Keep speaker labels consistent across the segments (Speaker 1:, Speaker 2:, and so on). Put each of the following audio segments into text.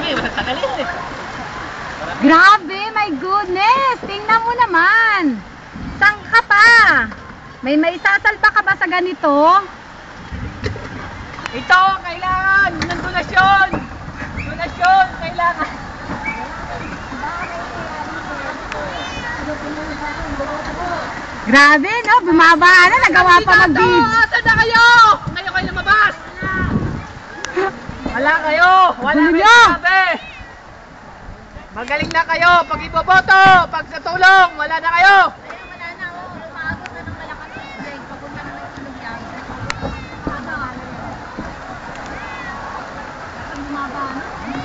Speaker 1: Grabe, my goodness! Tingnan mo naman! Saan ka pa? May maisasalba ka ba sa ganito?
Speaker 2: Ito, kailangan ng donasyon! Donasyon, kailangan!
Speaker 1: Grabe, no? Bumaba na, nagawa pa mag-gigs.
Speaker 2: Asan na kayo? Ngayon kayo lumabas! Wala kayo! Wala kayo sabi! Magaling na kayo pag iboboto! Pag sa tulong, wala na kayo!
Speaker 1: Wala na, umaabot na ng malakas ng tubig. Papunta na ng tulog yan. Bumaba na.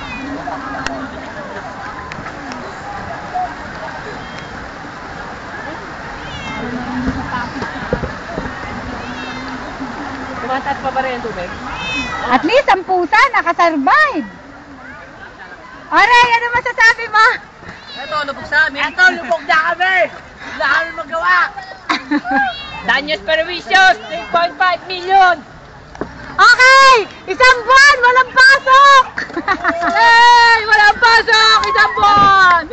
Speaker 2: Tumataas pa ba rin yung tubig?
Speaker 1: At least ang pusa nakasurvive. Aray, ano masasabi mo?
Speaker 2: Ito, lubog sa amin. Ito, lubog na kami! Wala kami magawa! Danyos Pervicios, 3.5 million!
Speaker 1: Okay! Isang buwan, walang pasok!
Speaker 2: Hey! Walang pasok! Isang buwan!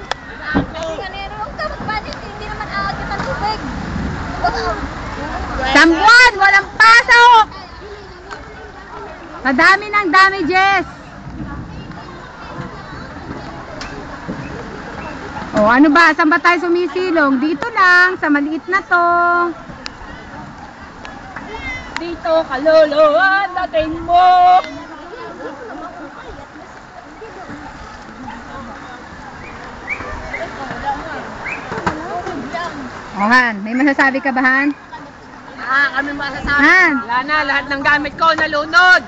Speaker 1: Isang buwan, walang pasok! Madami ng damages. O, ano ba? Saan ba tayo sumisilong? Dito lang, sa maliit na to.
Speaker 2: Dito, kaluluhan natin mo!
Speaker 1: O, Han, may masasabi ka ba, Han?
Speaker 2: Kami masasabi.
Speaker 1: Han!
Speaker 2: Wala na, lahat ng gamit ko nalunod.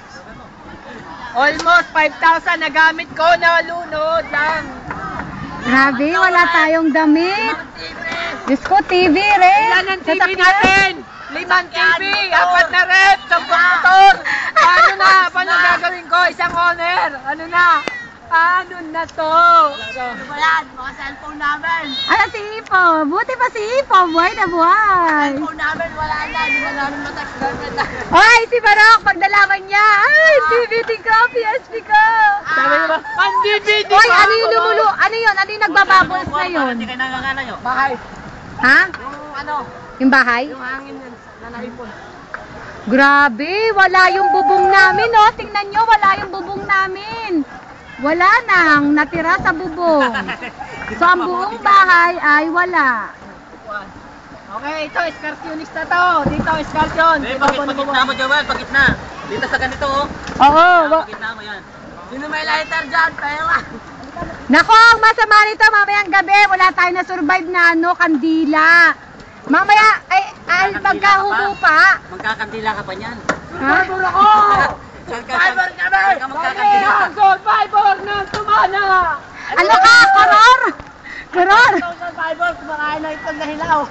Speaker 2: Almost 5,000 na gamit ko nalunod lang.
Speaker 1: Grabe, wala tayong damit. Diyos ko, TV rin.
Speaker 2: Ilan ang TV
Speaker 1: Sasakyan.
Speaker 2: natin? 5 TV, 4 na rep, 10 motor. Paano na? Paano gagawin ko? Isang owner. Ano na? Paano na to? Ano ba yan? Mga cellphone namin.
Speaker 1: Ano si Ipo? Buti pa si Ipo. Buhay na buhay.
Speaker 2: Cellphone namin, wala na. Di ba namin matax girlfriend na?
Speaker 1: Ay, si Barok, pagdalaman niya. Ay, DVD ko, PSP ko.
Speaker 2: Sabi niyo ba? Ang DVD
Speaker 1: Oy, ano yung lumulo? Ano yun? Ano yung nagbababols na yun?
Speaker 2: Hindi kayo nangangana nyo? Bahay.
Speaker 1: Ha?
Speaker 2: Yung ano?
Speaker 1: Yung bahay?
Speaker 2: Yung hangin na naipon.
Speaker 1: Grabe, wala yung bubong namin, oh. Tingnan nyo, wala yung bubong namin. Wala nang natira sa bubong. So, ang buong bahay ay wala.
Speaker 2: Okay, ito, escarsionista to. Dito, escarsion.
Speaker 3: Pagitna mo, Joel, pagitna. Dito sa ganito, oh.
Speaker 1: Oo.
Speaker 3: Pagitna mo yan.
Speaker 2: Sino may lighter dyan? Pera.
Speaker 1: Nako, ang masama nito, mamayang gabi, wala tayo na survive na ano, kandila. Mamaya, ay magkahubo pa.
Speaker 3: Magkakandila ka pa niyan.
Speaker 1: Ha?
Speaker 2: Survivor kami! Survivor ng tumana!
Speaker 1: Ano ka, koror? Koror?
Speaker 2: Survivor, kumakain na itong nahilaw.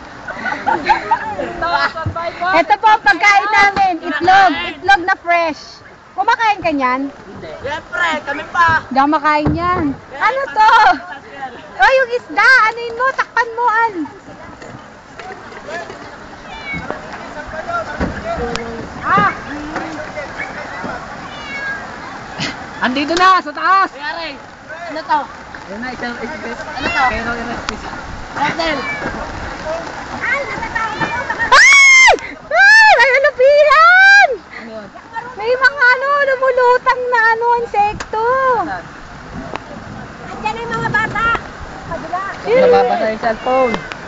Speaker 2: Survivor!
Speaker 1: Ito po ang pagkain namin, itlog. Itlog na fresh. Kumakain ka niyan?
Speaker 2: Siyempre, kami pa!
Speaker 1: Hindi ako makain yan. Ano to? Oh, yung isda, anuin mo, takpan mo, an.
Speaker 2: Andito na, sa taas!
Speaker 3: Kayari, ano to?
Speaker 2: Ayun na, isang
Speaker 3: Ano to?
Speaker 2: pero i-rescue.
Speaker 3: Hotel.
Speaker 1: Ay! Ay! Ay, halapihan!
Speaker 2: Ano yun?
Speaker 1: May mga ano, lumulutang na ano, insekto. Andiyan na yung mga bata.
Speaker 2: Nababasa yung cellphone.